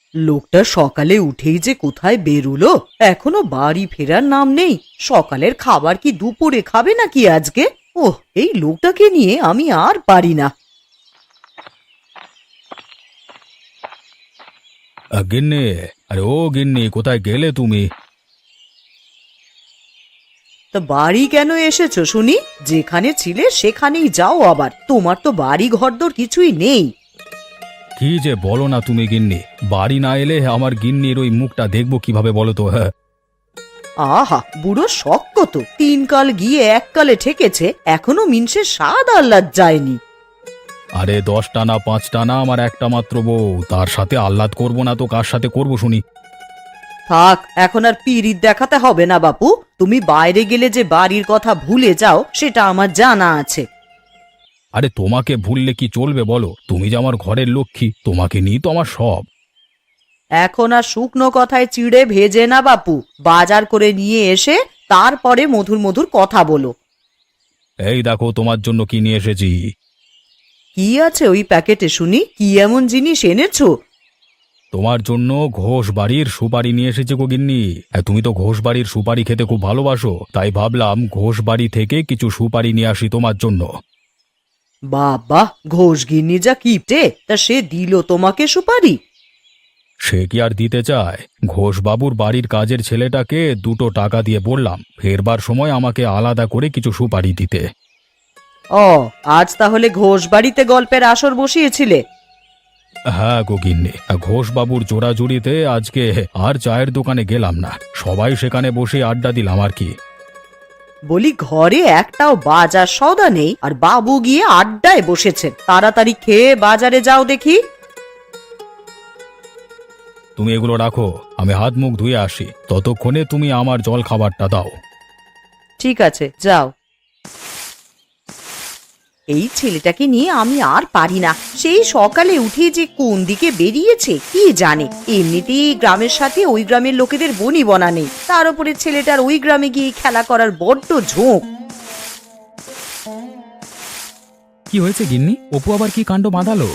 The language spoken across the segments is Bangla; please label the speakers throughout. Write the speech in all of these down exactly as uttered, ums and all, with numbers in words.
Speaker 1: লোকটা সকালে উঠেই যে কোথায় বেরুলো, এখনো বাড়ি ফেরার নাম নেই। সকালের খাবার কি দুপুরে খাবে নাকি আজকে? ওহ, এই লোকটাকে নিয়ে আমি আর পারি না।
Speaker 2: আ, গিন্নি, আরে ও গিন্নি, কোথায় গেলে তুমি?
Speaker 1: তা বাড়ি কেন এসেছো শুনি? যেখানে ছিলে সেখানেই যাও, আবার তোমার তো বাড়ি ঘরদোর কিছুই নেই।
Speaker 2: কি যে বলো না তুমি গিন্নি, বাড়ি না এলে আমার গিন্নির ওই মুখটা দেখবো কিভাবে বলো তো? হ্যাঁ,
Speaker 1: আহা, বুড়ো শখ কত, তিন কাল গিয়ে এক কালে ঠেকেছে, এখনো মিনসে স্বাদ আহ্লাদ যায়নি।
Speaker 2: আরে দশটা না পাঁচটা না, আমার একটা মাত্র বউ, তার সাথে আহ্লাদ করবো না তো কার সাথে করবো শুনি?
Speaker 1: থাক, এখন আর পীড়িত দেখাতে হবে না বাপু। তুমি বাইরে গেলে যে বাড়ির কথা ভুলে যাও সেটা আমার জানা আছে।
Speaker 2: আরে তোমাকে ভুললে কি চলবে বলো? তুমি যে আমার ঘরের লক্ষ্মী, তোমাকে নিয়ে তো আমার সব।
Speaker 1: এখন আর শুকনো কথায় চিড়ে ভেজে না বাপু, বাজার করে নিয়ে এসে তারপরে মধুর মধুর কথা বলো।
Speaker 2: এই দেখো তোমার জন্য কি নিয়ে এসেছি।
Speaker 1: কি আছে ওই প্যাকেটে শুনি? কি এমন জিনিস এনেছো?
Speaker 2: তোমার জন্য ঘোষ বাড়ির সুপারি নিয়ে এসেছে গো গিন্নি। হ্যাঁ, তুমি তো ঘোষ বাড়ির সুপারি খেতে খুব ভালোবাসো, তাই ভাবলাম ঘোষ বাড়ি থেকে কিছু সুপারি নিয়ে আসি তোমার জন্য।
Speaker 1: বাবা, ঘোষ গিন্নি যা কিপটে, তা সে দিল তোমাকে সুপারি?
Speaker 2: সে কি আর দিতে চায়? ঘোষবাবুর বাড়ির কাজের ছেলেটাকে দুটো টাকা দিয়ে বললাম ফেরবার সময় আমাকে আলাদা করে কিছু সুপারি দিতে।
Speaker 1: ও, আজ তাহলে ঘোষ বাড়িতে গল্পের আসর বসিয়েছিলে?
Speaker 2: হ্যাঁ গো গিন্নি, ঘোষবাবুর জোড়াজুড়িতে আজকে আর চায়ের দোকানে গেলাম না, সবাই সেখানে বসে আড্ডা দিলাম আর কি।
Speaker 1: বলি, ঘরে একটাও বাজার সওদা নেই আর বাবু গিয়ে আড্ডায় বসেছেন। তাড়াতাড়ি খেয়ে বাজারে যাও দেখি।
Speaker 2: তুমি এগুলো রাখো, আমি হাত মুখ ধুয়ে আসি, ততক্ষণে তুমি আমার জল খাবারটা দাও।
Speaker 1: ঠিক আছে, যাও। এই ছেলেটাকে নিয়ে আমি আর পারি না। সেই সকালে উঠে যে কোন দিকে বেরিয়েছে কি জানে। এমনিতেই গ্রামের সাথে ওই গ্রামের লোকেদের বনি বনা নেই, তার উপরে ছেলেটার ওই গ্রামে গিয়ে খেলা করার বড্ড ঝোঁক।
Speaker 2: কি হয়েছে গিন্নি? অপু আবার কি কাণ্ড বাঁধালো?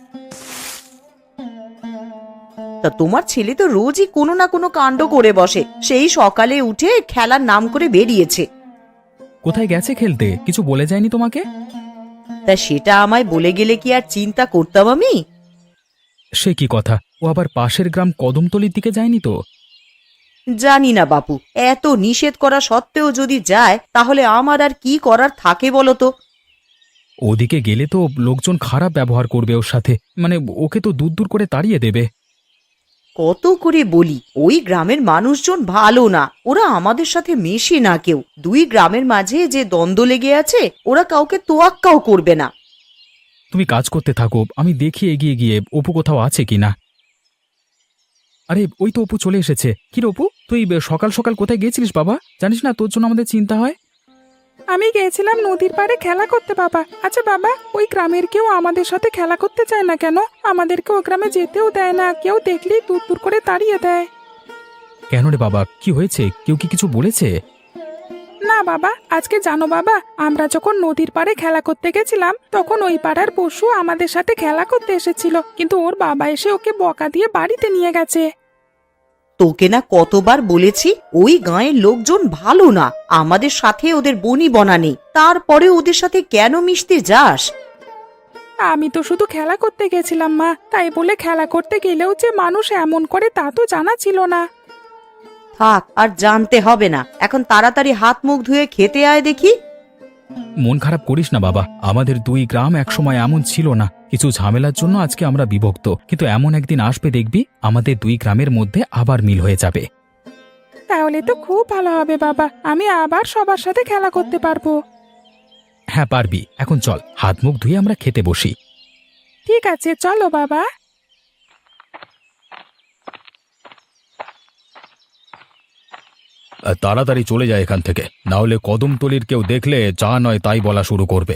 Speaker 1: তা তোমার ছেলে তো রোজই কোনো না কোনো কাণ্ড করে বসে। সেই সকালে উঠে খেলার নাম করে বেরিয়েছে।
Speaker 2: কোথায় গেছে খেলতে? কিছু বলে যায়নি তোমাকে?
Speaker 1: তা সেটা আমায় বলে গেলে কি আর চিন্তা করতাম আমি?
Speaker 2: সে কি কথা, ও আবার পাশের গ্রাম কদমতলির দিকে যায়নি তো?
Speaker 1: জানি না বাপু, এত নিষেধ করা সত্ত্বেও যদি যায় তাহলে আমার আর কি করার থাকে বলো তো?
Speaker 2: ওদিকে গেলে তো লোকজন খারাপ ব্যবহার করবে ওর সাথে, মানে ওকে তো দূর দূর করে তাড়িয়ে দেবে।
Speaker 1: কত করে বলি, ওই গ্রামের মানুষজন ভালো না, ওরা আমাদের সাথে মেশে না কেউ। দুই গ্রামের মাঝে যে দ্বন্দ্ব লেগে আছে, ওরা কাউকে তোয়াক্কাও করবে না।
Speaker 2: তুমি কাজ করতে থাকো, আমি দেখি এগিয়ে গিয়ে অপু কোথাও আছে কিনা। আরে ওই তো অপু চলে এসেছে। কি রে অপু, তুই সকাল সকাল কোথায় গেছিলিস বাবা? জানিস না তোর জন্য আমাদের চিন্তা হয়।
Speaker 3: আমি গেছিলাম নদীর পাড়ে খেলা করতে বাবা। আচ্ছা বাবা, ওই গ্রামের কেউ আমাদের সাথে খেলা করতে চায় না কেন? আমাদেরকে ওই গ্রামে যেতেও দেয় না, কেউ দেখলেই দূর দূর করে তাড়িয়ে দেয়।
Speaker 2: কেন রে বাবা, কি হয়েছে? কেউ কি কিছু বলেছে?
Speaker 3: না বাবা, আজকে জানো বাবা, আমরা যখন নদীর পাড়ে খেলা করতে গেছিলাম তখন ওই পাড়ার পশু আমাদের সাথে খেলা করতে এসেছিল, কিন্তু ওর বাবা এসে ওকে বকা দিয়ে বাড়িতে নিয়ে গেছে।
Speaker 1: তোকে না কতবার বলেছি, ওই গাঁয়ের লোকজন ভালো না, আমাদের সাথে ওদের বনি বনা নেই, তারপরে ওদের সাথে কেন মিশতে যাস?
Speaker 3: আমি তো শুধু খেলা করতে গেছিলাম মা, তাই বলে খেলা করতে গেলেও যে মানুষ এমন করে তা তো জানা ছিল না।
Speaker 1: থাক, আর জানতে হবে না, এখন তাড়াতাড়ি হাত মুখ ধুয়ে খেতে আয় দেখি।
Speaker 2: মন খারাপ করিস না বাবা, আমাদের দুই গ্রাম একসময় এমন ছিল না, কিছু ঝামেলার জন্য আজকে আমরা বিভক্ত, কিন্তু এমন একদিন আসবে দেখবি আমাদের দুই গ্রামের মধ্যে আবার মিল হয়ে যাবে।
Speaker 3: তাহলে তো খুব ভালো হবে বাবা, আমি আবার সবার সাথে খেলা করতে পারবো।
Speaker 2: হ্যাঁ পারবি, এখন চল হাত মুখ ধুয়ে আমরা খেতে বসি।
Speaker 3: ঠিক আছে, চলো বাবা।
Speaker 2: আহ, তাড়াতাড়ি চলে যায় এখান থেকে, না হলে কদমতলির কেউ দেখলে যা নয় তাই বলা শুরু করবে।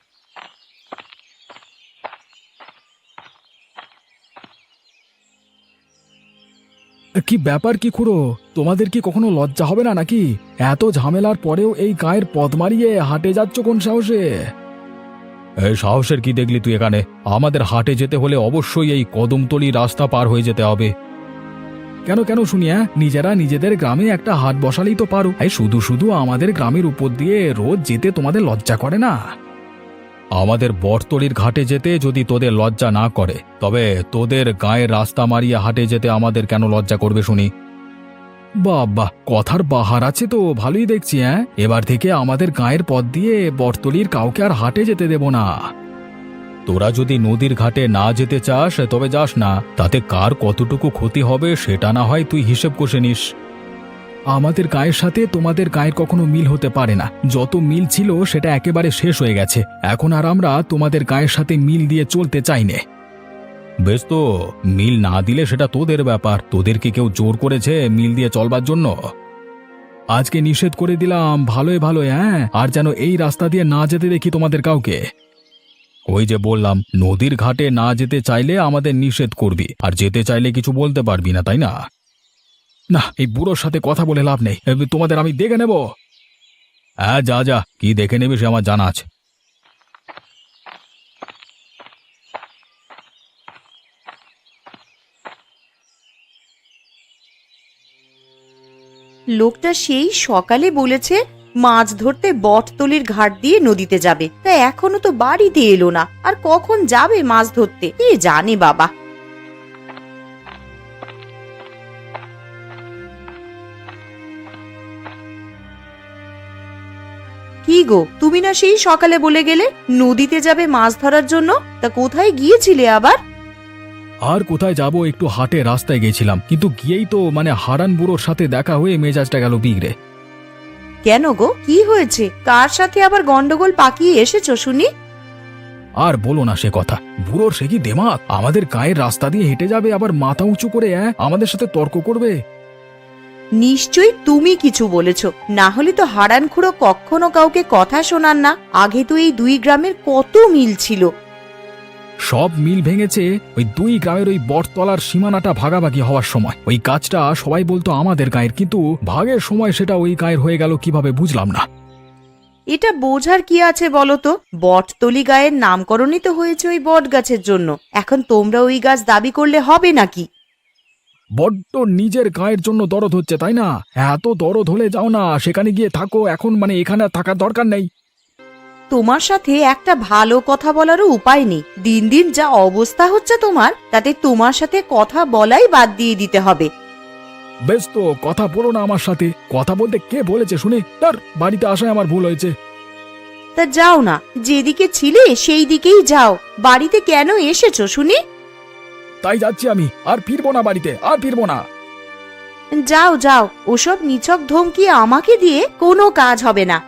Speaker 2: কি ব্যাপার কি খুড়ো, তোমাদের কি কখনো লজ্জা হবে না নাকি? এত ঝামেলার পরেও এই গায়ের পথ মারিয়ে হাটে যাচ্ছ কোন সাহসে? এই সাহসের কি দেখলি তুই এখানে? আমাদের হাটে যেতে হলে অবশ্যই এই কদমতলি রাস্তা পার হয়ে যেতে হবে। কেন কেন শুনি হ্যাঁ, নিজেরা নিজেদের গ্রামে একটা হাট বসালেই তো পারো, এই শুধু শুধু আমাদের গ্রামের উপর দিয়ে রোজ যেতে তোমাদের লজ্জা করে না? আমাদের বটতলির ঘাটে যেতে যদি তোদের লজ্জা না করে, তবে তোদের গায়ের রাস্তা মারিয়ে হাটে যেতে আমাদের কেন লজ্জা করবে শুনি? বাবা, কথার বাহার আছে তো, ভালোই দেখছি। হ্যাঁ, এবার থেকে আমাদের গায়ের পথ দিয়ে বটতলির কাউকে আর হাটে যেতে দেব না। তোরা যদি নদীর ঘাটে না যেতে চাস তবে যাস না, তাতে কার কতটুকু ক্ষতি হবে সেটা না হয় তুই হিসেব কষে নিস। আমাদের গায়ের সাথে তোমাদের গায়ের কখনো মিল হতে পারে না, যত মিল ছিল সেটা একেবারে শেষ হয়ে গেছে, এখন আর আমরা তোমাদের গায়ের সাথে মিল দিয়ে চলতে চাই না। বেশ, তো মিল না দিলে সেটা তোদের ব্যাপার, তোদেরকে কেউ জোর করেছে মিল দিয়ে চলবার জন্য? আজকে নিষেধ করে দিলাম ভালোই ভালোই, হ্যাঁ, আর যেন এই রাস্তা দিয়ে না যেতে দেখি তোমাদের কাউকে। ওই যে বললাম, নদীর ঘাটে না যেতে চাইলে আমাদের নিষেধ করবি, আর যেতে চাইলে কিছু বলতে পারবি না, তাই না? না, এই বুড়োর সাথে কথা বলে লাভ নেই, এ, তোমাদের আমি দেখে নেব। হ্যাঁ, যা যা, কি দেখে নেবে সে আমার জানা আছে।
Speaker 1: লোকটা সেই সকালে বলেছে মাছ ধরতে বটতলির ঘাট দিয়ে নদীতে যাবে, তা এখনো তো বাড়িতে এলো না, আর কখন যাবে মাছ ধরতে কে জানে বাবা। কি গো, তুমি না সেই সকালে বলে গেলে নদীতে যাবে মাছ ধরার জন্য, তা কোথায় গিয়েছিলে আবার?
Speaker 2: আর কোথায় যাব, একটু হাটে রাস্তায় গেছিলাম, কিন্তু গিয়েই তো মানে হারান বুড়োর সাথে দেখা হয়ে মেজাজটা গেল বিগড়ে।
Speaker 1: কেন গো, কি হয়েছে? কার সাথে আবার গন্ডগোল পাকিয়ে এসেছো শুনি?
Speaker 2: আর বলো না সে কথা, বুড়োর সে কি দেমাক, আমাদের গায়ের রাস্তা দিয়ে হেঁটে যাবে, আবার মাথা উঁচু করে অ্যাঁ, আমাদের সাথে তর্ক করবে।
Speaker 1: নিশ্চয়ই তুমি কিছু বলেছ, না হলে তো হারান খুড়ো কখনো কাউকে কথা শোনান না। আগে তো এই দুই গ্রামের কত মিল ছিল।
Speaker 2: সব মিল ভেঙেছে ওই দুই গ্রামের ওই বটতলার সীমানাটা ভাগাভাগি হওয়ার সময়। ওই কাজটা সবাই বলতো আমাদের গায়ের, কিন্তু ভাগের সময় সেটা ওই গায়ের হয়ে গেল কিভাবে বুঝলাম না।
Speaker 1: এটা বোঝার কি আছে বলো তো? বটতলি গায়ের নামকরণই তো হয়েছে ওই বট গাছের জন্য। এখন তোমরা ওই গাছ দাবি করলে হবে নাকি?
Speaker 2: বড্ড নিজের গায়ের জন্য দরদ হচ্ছে, তাই না? এত দরদ হলে যাও না, সেখানে গিয়ে থাকো, এখন মানে এখানে আর থাকার দরকার নেই।
Speaker 1: তোমার সাথে একটা ভালো কথা বলারও উপায় নেই। দিন দিন যা অবস্থা হচ্ছে তোমার, তাতে তোমার সাথে কথা বলাই বাদ দিয়ে দিতে হবে।
Speaker 2: বেশ, তো কথা বলো না আমার সাথে, কথা বলতে কে বলেছে শুনি? তার বাড়িতে আসায় আমার ভুল হয়েছে।
Speaker 1: তা যাও না, যেদিকে ছিলে সেই দিকেই যাও। বাড়িতে কেন এসেছো শুনি?
Speaker 2: তাই যাচ্ছি আমি, আর ফিরবো না বাড়িতে, আর ফিরবো না।
Speaker 1: যাও যাও, ওসব নিছক ধমকি আমাকে দিয়ে কোনো কাজ হবে না।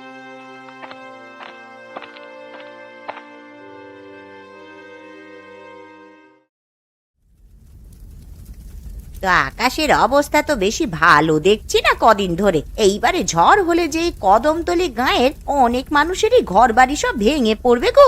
Speaker 1: তো আকাশের অবস্থা তো বেশি ভালো দেখছি না কদিন ধরে। এইবারে ঝড় হলে যে এই কদমতলি গাঁয়ের অনেক মানুষেরই ঘর বাড়ি সব ভেঙে পড়বে গো।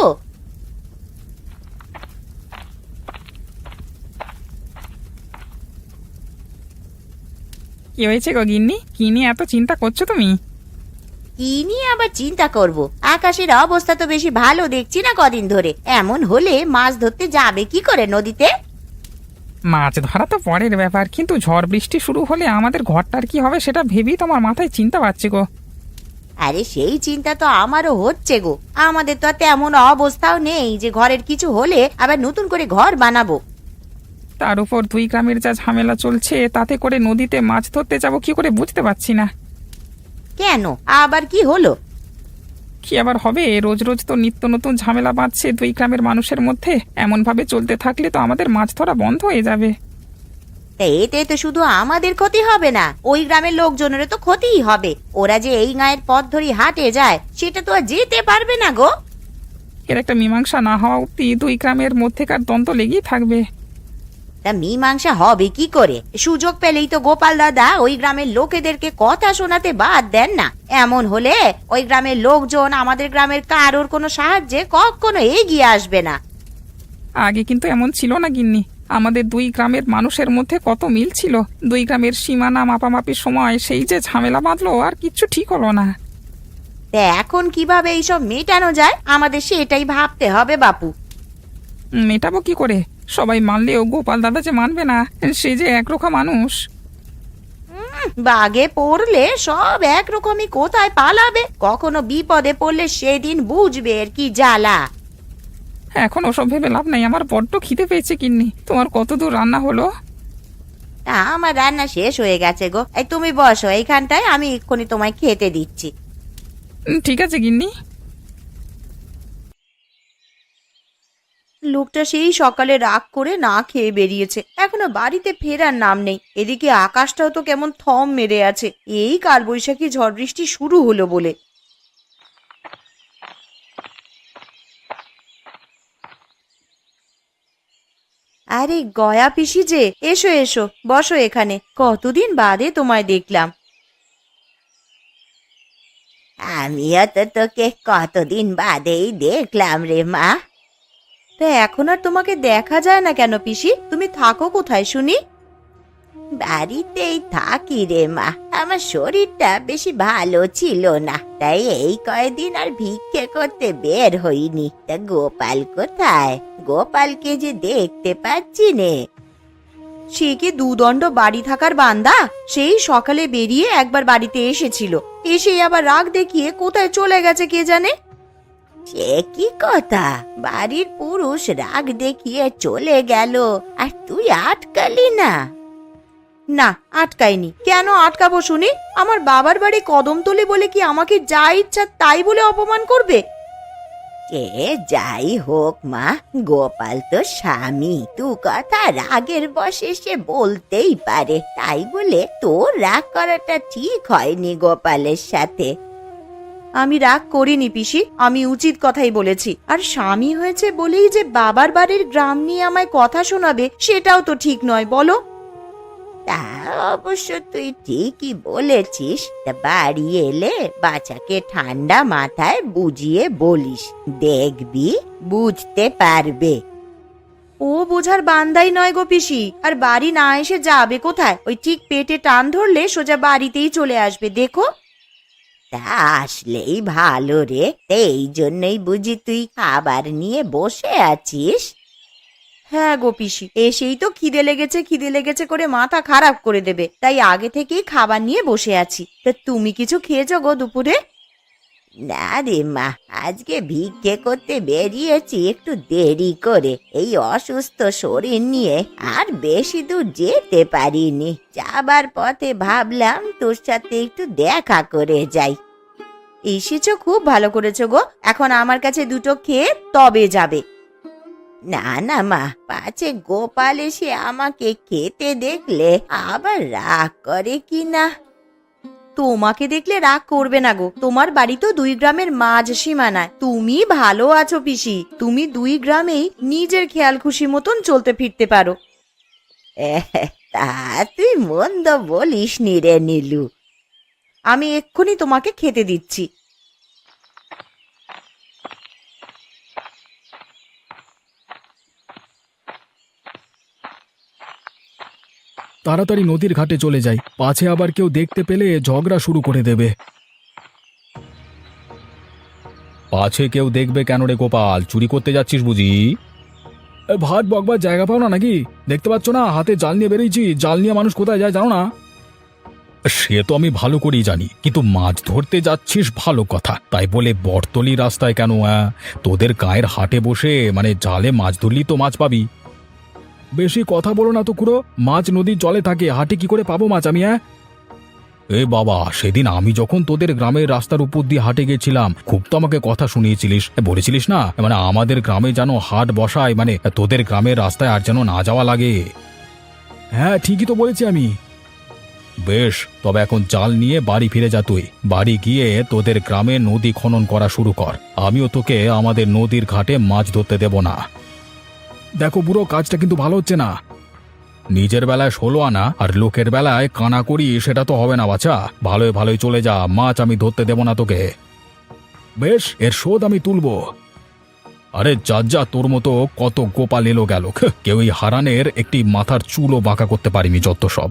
Speaker 3: কি হয়েছে গো গিন্নি, কি নিয়ে এত চিন্তা করছো তুমি?
Speaker 1: কি নিয়ে আবার চিন্তা করব? আকাশের অবস্থা তো বেশি ভালো দেখছি না কদিন ধরে। এমন হলে মাছ ধরতে যাবে কি করে নদীতে?
Speaker 3: মাছ ধরা তো পরের ব্যাপার, কিন্তু ঝড় বৃষ্টি শুরু হলে আমাদের ঘরটার কি হবে সেটা ভেবেই তোমার মাথায় চিন্তা পাচ্ছে গো।
Speaker 1: আরে সেই চিন্তা তো আমারও হচ্ছে গো। আমাদের তো আর তেমন অবস্থাও নেই যে ঘরের কিছু হলে আবার নতুন করে ঘর বানাবো।
Speaker 3: তার উপর দুই গ্রামের যা ঝামেলা চলছে, তাতে করে নদীতে মাছ ধরতে যাবো কি করে বুঝতে পারছি না।
Speaker 1: কেন, আবার কি হলো?
Speaker 3: কি আবার হবে, রোজ রোজ তো নিত্য নতুন ঝামেলা বাঁধছে দুই গ্রামের মানুষের মধ্যে। এমন ভাবে চলতে থাকলে তো আমাদের মাছ ধরা বন্ধ হয়ে যাবে।
Speaker 1: তা এতে তো শুধু আমাদের ক্ষতি হবে না, ওই গ্রামের লোকজনেরও তো ক্ষতিই হবে। ওরা যে এই গায়ের পথ ধরে হাটে যায়, সেটা তো আর যেতে পারবে না গো।
Speaker 3: এর একটা মীমাংসা না হওয়া অব্দি দুই গ্রামের মধ্যেকার দ্বন্দ্ব লেগেই থাকবে।
Speaker 1: তা মীমাংসা হবে কি করে? সুযোগ পেলেই তো গোপাল দাদা ওই গ্রামের লোকেদেরকে কথা শোনাতে বাদ দেন না। এমন হলে ওই গ্রামের লোকজন আমাদের গ্রামের কারোর কোনো সাহায্যে কখনো এগিয়ে আসবে না।
Speaker 3: আগে কিন্তু এমন ছিল না গিন্নি, আমাদের দুই গ্রামের মানুষের মধ্যে কত মিল ছিল। দুই গ্রামের সীমানা মাপামাপির সময় সেই যে ঝামেলা বাঁধলো, আর কিচ্ছু ঠিক হলো না।
Speaker 1: তা এখন কিভাবে এইসব মেটানো যায়, আমাদের সেটাই ভাবতে হবে বাপু।
Speaker 3: মেটাবো কি করে? সবাই মানলেও গোপাল দাদা যে মানবে না, সে যে একরোখা মানুষ।
Speaker 1: বাগে পড়লে সব একরকমই, কোথায় পালাবে? কখনো বিপদে পড়লে সেদিন বুঝবে এর কি জ্বালা।
Speaker 3: এখন ওসব ভেবে লাভ নাই, আমার বড্ড খিদে পেয়েছে গিন্নি। তোমার কত দূর রান্না হলো?
Speaker 1: আমার রান্না শেষ হয়ে গেছে গো। এই তুমি বসো এইখানটায়, আমি এক্ষুনি তোমায় খেতে দিচ্ছি।
Speaker 3: উম, ঠিক আছে গিন্নি।
Speaker 1: লোকটা সেই সকালে রাগ করে না খেয়ে বেরিয়েছে, এখনো বাড়িতে ফেরার নাম নেই। এদিকে আকাশটাও তো কেমন থম মেরে আছে, এই কালবৈশাখী ঝড় বৃষ্টি শুরু হলো বলে। আরে গয়া পিসি যে, এসো এসো, বসো এখানে। কতদিন বাদে তোমায় দেখলাম। আমিও তো তোকে কতদিন বাদেই দেখলাম রে মা। তা এখন আর তোমাকে দেখা যায় না কেন পিসি? তুমি থাকো কোথায় শুনি? বাড়িতেই থাকি রে মা, আমার শরীরটা বেশি ভালো ছিল না, তাই এই কয়দিন আর ভিক্ষে করতে বের হইনি। তা গোপাল কোথায়? গোপালকে যে দেখতে পাচ্ছি নে। সে কি দুদণ্ড বাড়ি থাকার বান্দা? সেই সকালে বেরিয়ে একবার বাড়িতে এসেছিল, এসে আবার রাগ দেখিয়ে কোথায় চলে গেছে কে জানে। সে কি কথা? বাড়ির পুরুষ রাগ দেখিয়ে চলে গেল আর তুই আটকালি না? না, আটকাইনি। কেন আটকাবো শুনি? আমার বাবার বাড়ি কদমতলি বলে কি আমাকে যা ইচ্ছা তাই বলে অপমান করবে? সে যাই হোক মা, গোপাল তো স্বামী, তু কথা রাগের বশে সে বলতেই পারে, তাই বলে তোর রাগ করাটা ঠিক হয়নি গোপালের সাথে। আমি রাগ করিনি পিসি, আমি উচিত কথাই বলেছি। আর স্বামী হয়েছে বলেই যে বাবার বাড়ির গ্রাম নিয়ে আমায় কথা শোনাবে, সেটাও তো ঠিক নয়, বলো? তা অবশ্য তুই ঠিকই বলেছিস। তা বাড়ি এলে বাচ্চাকে ঠান্ডা মাথায় বুঝিয়ে বলিস, দেখবি বুঝতে পারবে। ও বোঝার বান্দাই নয় গো পিসি, আর বাড়ি না এসে যাবে কোথায়? ওই ঠিক পেটে টান ধরলে সোজা বাড়িতেই চলে আসবে, দেখো। তা আসলেই ভালো রে, এই জন্যই বুঝি তুই খাবার নিয়ে বসে আছিস? হ্যাঁ গো পিসি, এসেই তো খিদে লেগেছে খিদে লেগেছে করে মাথা খারাপ করে দেবে, তাই আগে থেকেই খাবার নিয়ে বসে আছি। তা তুমি কিছু খেয়েছো গো দুপুরে? না রে মা, আজকে ভিক্ষে করতে বেরিয়েছি একটু দেরি করে। এই অসুস্থ শরীর নিয়ে আর বেশি দূর যেতে পারিনি। যাবার পথে ভাবলাম তোর সাথে একটু দেখা করে যাই। এসেছো, খুব ভালো করেছো গো। এখন আমার কাছে দুটো খেয়ে তবে যাবে। না না মা, পাছে গোপাল এসে আমাকে খেতে দেখলে আবার রাগ করে কি না। তোমাকে দেখলে রাগ করবে না গো, তোমার বাড়ি তো দুই গ্রামের মাঝ সীমানায়। তুমি ভালো আছো পিসি, তুমি দুই গ্রামেই নিজের খেয়াল খুশি মতন চলতে ফিরতে পারো। তা তুই মন্দ বলিস নি রে নীলু। আমি এক্ষুনি তোমাকে খেতে দিচ্ছি।
Speaker 2: তাড়াতাড়ি নদীর ঘাটে চলে যাই, পাছে আবার কেউ দেখতে পেলে ঝগড়া শুরু করে দেবে। পাছে কেউ দেখবে কেন রে গোপাল? চুরি করতে যাচ্ছিস বুঝি? এ, ভাট বকবার জায়গা পাও না নাকি? দেখতে পাচ্ছ না হাতে জাল নিয়ে বেরিয়েছি? জাল নিয়ে মানুষ কোথায় যায় জানো না? সে তো আমি ভালো করেই জানি, কিন্তু মাছ ধরতে যাচ্ছিস ভালো কথা, তাই বলে বটতলি রাস্তায় কেন? আহ? তোদের গায়ের হাটে বসে মানে জালে মাছ ধরলি তো মাছ পাবি। বেশি কথা বলো না তো খুড়ো, মাছ নদীর জলে থাকে, হাটে কি করে পাবো মাছ আমি? হ্যাঁ এ বাবা, সেদিন আমি যখন তোদের গ্রামের রাস্তার উপর দিয়ে হাটে গেছিলাম, খুব তো আমাকে কথা শুনিয়েছিলিস, বলেছিলিস না মানে আমাদের গ্রামে যেন হাট বসায়, মানে তোদের গ্রামের রাস্তায় আর যেন না যাওয়া লাগে। হ্যাঁ ঠিকই তো বলেছি আমি। বেশ, তবে এখন জাল নিয়ে বাড়ি ফিরে যা। তুই বাড়ি গিয়ে তোদের গ্রামে নদী খনন করা শুরু কর, আমিও তোকে আমাদের নদীর ঘাটে মাছ ধরতে দেব না। দেখো বুড়ো, কাজটা কিন্তু ভালো হচ্ছে না। নিজের বেলায় ষোলো আনা আর লোকের বেলায় কানা করি, সেটা তো হবে না বাছা। ভালোই ভালোই চলে যা, মাছ আমি ধরতে দেব না তোকে। বেশ, এর শোধ আমি তুলব। আরে যা যা, তোর মতো কত গোপাল এলো গেল, কেউই হারানের একটি মাথার চুলও বাঁকা করতে পারিনি, যত সব।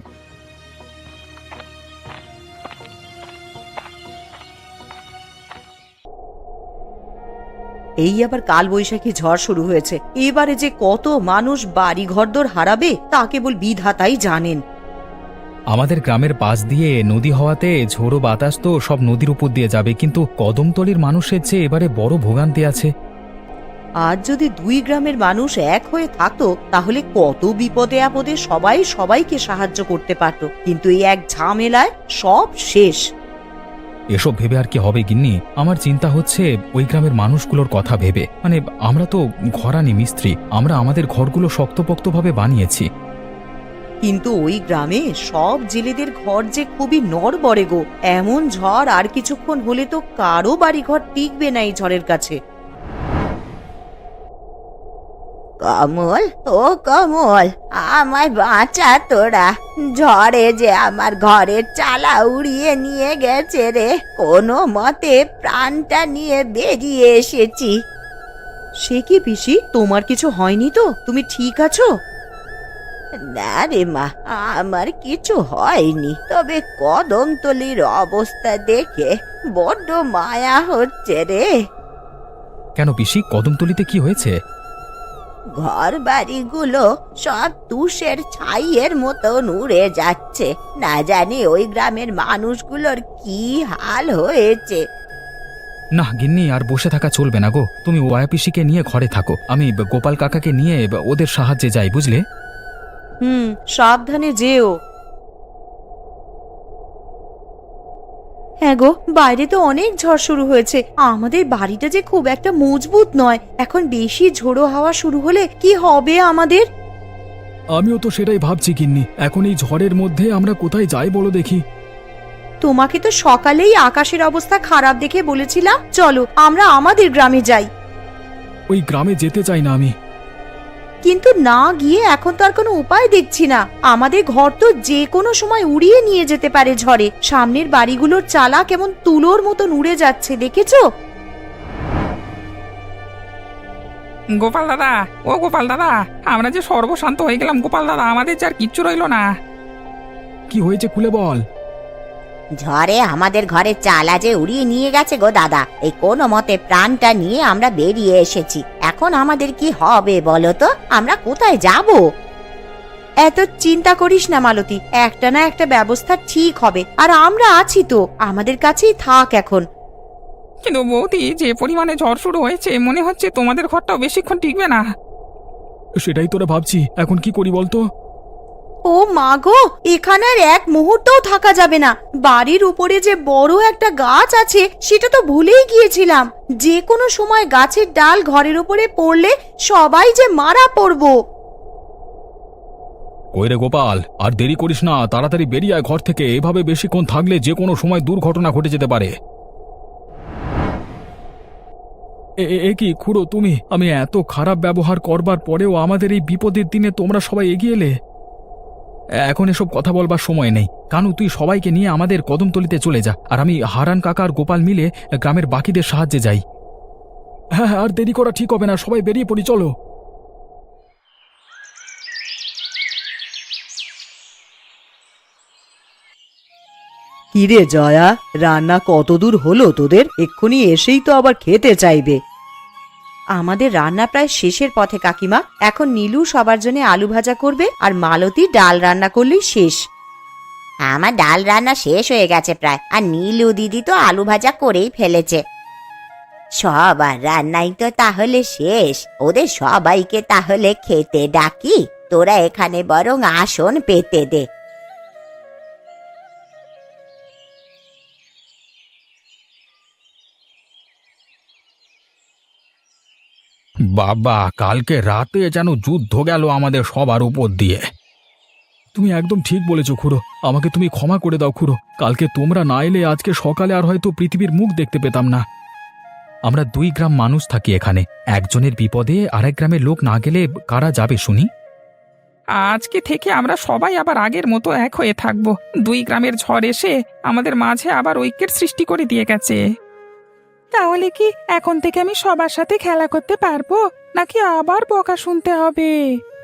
Speaker 1: এই আবার কাল বৈশাখী ঝড় শুরু হয়েছে, এবারে যে কত মানুষ বাড়ি ঘরদোর হারাবে তা কেবল বিধাতাই জানেন।
Speaker 2: আমাদের গ্রামের পাশ দিয়ে নদী হওয়াতে ঝোড়ো বাতাস তো সব নদীর উপর দিয়ে যাবে, কিন্তু কদমতলির মানুষের চেয়ে এবারে বড় ভোগান্তি আছে।
Speaker 1: আজ যদি দুই গ্রামের মানুষ এক হয়ে থাকতো তাহলে কত বিপদে আপদে সবাই সবাইকে সাহায্য করতে পারত, কিন্তু এই এক ঝামেলায় সব শেষ।
Speaker 2: এসব ভেবে আর কি হবে গিন্নি, আমার চিন্তা হচ্ছে ওই গ্রামের মানুষগুলোর কথা ভেবে। মানে আমরা তো ঘরানি মিস্ত্রি, আমরা আমাদের ঘরগুলো শক্তপোক্তভাবে বানিয়েছি।
Speaker 1: কিন্তু ওই গ্রামে সব জেলেদের ঘর যে খুবই নড়বড়ে গো, এমন ঝড় আর কিছুক্ষণ হলে তো কারো বাড়িঘর টিকবে না এই ঝড়ের কাছে। কমল, ও কমল, আমায় বাঁচা তোরা, ঝড়ে যে আমার ঘরের চালা উড়িয়ে নিয়ে গেছে রে, কোনো মতে প্রাণটা নিয়ে বেরিয়ে এসেছি। সে কি পিসি, তোমার কিছু হয়নি তো? তুমি ঠিক আছো? না রে মা, আমার কিছু হয়নি, তবে কদমতলির অবস্থা দেখে বড্ড মায়া হচ্ছে রে।
Speaker 2: কেন পিসি, কদমতলিতে কি হয়েছে?
Speaker 1: ঘর বাড়িগুলো সব তুষের ছাইয়ের মতন উড়ে যাচ্ছে, না জানি ওই গ্রামের মানুষগুলোর কি হাল হয়েছে।
Speaker 2: না গিন্নি, আর বসে থাকা চলবে না গো, তুমি ওয়া পিসিকে নিয়ে ঘরে থাকো, আমি গোপাল কাকাকে নিয়ে ওদের সাহায্যে যাই, বুঝলে?
Speaker 1: হুম, সাবধানে যেও। হ্যাঁ গো, বাইরে তো অনেক ঝড় শুরু হয়েছে, আমাদের বাড়িটা যে খুব একটা মজবুত নয়, এখন বেশি ঝোড়ো হাওয়া শুরু হলে কি হবে আমাদের?
Speaker 2: আমিও তো সেটাই ভাবছি গিন্নি, এখন এই ঝড়ের মধ্যে আমরা কোথায় যাই বলো দেখি।
Speaker 1: তোমাকে তো সকালেই আকাশের অবস্থা খারাপ দেখে বলেছিলাম চলো আমরা আমাদের গ্রামে যাই।
Speaker 2: ওই গ্রামে যেতে চাই না আমি।
Speaker 1: কিন্তু না গিয়ে এখন তো আর কোনো উপায় দেখছি না, আমাদের ঘর তো যে কোনো সময় উড়িয়ে নিয়ে যেতে পারে ঝড়ে, সামনের বাড়িগুলোর চালা কেমন তুলোর মতন উড়ে যাচ্ছে, দেখেছো?
Speaker 3: গোপাল দাদা, ও গোপাল দাদা, আমরা যে সর্বশান্ত হয়ে গেলাম গোপাল দাদা, আমাদের যে আর কিচ্ছু রইলো না।
Speaker 2: কি হয়েছে খুলে বল।
Speaker 1: ঝড়ে আমাদের ঘরের চালা যে উড়িয়ে নিয়ে গেছে গো দাদা, এই কোনো মতে প্রাণটা নিয়ে আমরা বেরিয়ে এসেছি, এখন আমাদের কি হবে বলো তো, আমরা কোথায় যাব? এত চিন্তা করিস না মালতী, একটা না একটা ব্যবস্থা ঠিক হবে, আর আমরা আছি তো, আমাদের কাছেই থাক এখন।
Speaker 3: কিন্তু বৌদি, যে পরিমাণে ঝড় শুরু হয়েছে মনে হচ্ছে তোমাদের ঘরটাও বেশিক্ষণ টিকবে না।
Speaker 2: সেটাই তোরা ভাবছি, এখন কি করি বলতো?
Speaker 1: ও মা গো, এখানে আর এক মুহূর্তও থাকা যাবে না, বাড়ির উপরে যে বড় একটা গাছ আছে সেটা তো ভুলেই গিয়েছিলাম, যে কোনো সময় গাছের ডাল ঘরের উপরে পড়লে সবাই যে মারা পড়বো।
Speaker 2: কই রে গোপাল, আর দেরি করিস না, তাড়াতাড়ি বেরিয়ে আয় ঘর থেকে, এভাবে বেশিক্ষণ থাকলে যে কোনো সময় দুর্ঘটনা ঘটে যেতে পারে। এ কি খুড়ো তুমি, আমি এত খারাপ ব্যবহার করবার পরেও আমাদের এই বিপদের দিনে তোমরা সবাই এগিয়ে এলে। এখন এসব কথা বলবার সময় নেই, কানু তুই সবাইকে নিয়ে আমাদের কদমতলিতে চলে যা, আর আমি হারান কাকা আর গোপাল মিলে গ্রামের বাকিদের সাহায্যে যাই। হ্যাঁ, আর দেরি করা ঠিক হবে না, সবাই বেরিয়ে পড়ি, চলো।
Speaker 1: কিরে জয়া, রান্না কতদূর হলো তোদের? এক্ষুনি এসেই তো আবার খেতে চাইবে। আমাদের রান্না প্রায় শেষের পথে কাকিমা, এখন নীলু সবার জন্য আলু ভাজা করবে আর মালতী ডাল রান্না করলেই শেষ। আমার ডাল রান্না শেষ হয়ে গেছে প্রায়, আর নীলু দিদি তো আলু ভাজা করেই ফেলেছে। সবার রান্নাই তো তাহলে শেষ, ওদের সবাইকে তাহলে খেতে ডাকি, তোরা এখানে বরং আসন পেতে দে।
Speaker 2: বাবা, কালকে রাতে যেন যুদ্ধ গেল আমাদের সবার উপর দিয়ে। তুমি একদম ঠিক বলেছো খুড়ো, আমাকে তুমি ক্ষমা করে দাও খুড়ো, কালকে তোমরা না এলে আজকে সকালে আর হয়তো পৃথিবীর মুখ দেখতে পেতাম না। আমরা দুই গ্রাম মানুষ থাকি এখানে, একজনের বিপদে আরেক গ্রামের লোক না গেলে কারা যাবে শুনি?
Speaker 3: আজকে থেকে আমরা সবাই আবার আগের মতো এক হয়ে থাকবো, দুই গ্রামের ঝড় এসে আমাদের মাঝে আবার ঐক্যের সৃষ্টি করে দিয়ে গেছে। তাহলে কি এখন থেকে আমি সবার সাথে খেলা করতে পারবো, নাকি আবার বকা শুনতে হবে?